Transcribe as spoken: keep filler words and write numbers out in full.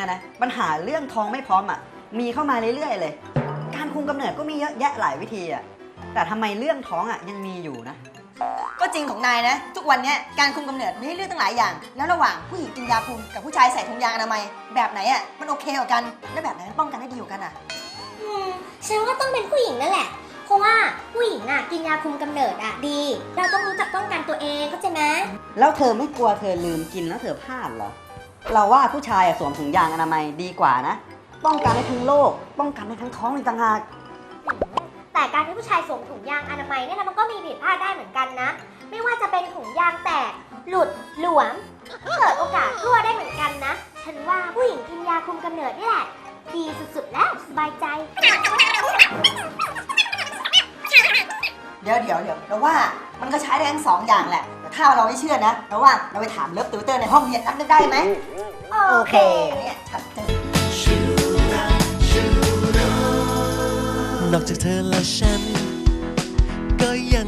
นะปัญหาเรื่องท้องไม่พร้อมอ่ะมีเข้ามาเรื่อยๆเลยการคุมกำเนิดก็มีเยอะแยะหลายวิธีอ่ะแต่ทำไมเรื่องท้องอ่ะยังมีอยู่นะก็จริงของนายนะทุกวันนี้การคุมกำเนิดมีให้เลือกตั้งหลายอย่างแล้วระหว่างผู้หญิงกินยาคุมกับผู้ชายใส่ถุงยางอนามัยแบบไหนอ่ะมันโอเคกว่ากันและแบบไหนป้องกันได้ดีกว่ากันอ่ะอืมฉันว่าต้องเป็นผู้หญิงนั่นแหละเพราะว่าผู้หญิงอ่ะกินยาคุมกำเนิดอ่ะดีเราต้องรู้จักป้องกันตัวเองเข้าใจไหมแล้วเธอไม่กลัวเธอลืมกินแล้วเธอพลาดเหรอเราว่าผู้ชายสวมถุงยางอนามัยดีกว่านะป้องกันได้ทั้งโรคป้องกันได้ทั้งท้องอีกต่างหากแต่การที่ผู้ชายสวมถุงยางอนามัยเนี่ยนะมันก็มีผิดพลาดได้เหมือนกันนะไม่ว่าจะเป็นถุงยางแตกหลุดหลวมเกิดโอกาสรั่วได้เหมือนกันนะฉันว่าผู้หญิงกินยาคุมกำเนิดนี่แหละดีสุดๆแล้วสบายใจเดี๋ยวเดี๋ยวเดี๋ยวเราว่ามันก็ใช้ได้ทั้งสองอย่างแหละแต่ถ้าเราไม่เชื่อนะเราว่าเราไปถามเลิฟติวเตอร์ในห้องเรียนนั้นได้ไหมโอเคเนี่ยชัดเจนนอกจากเธอและฉันก็ยัง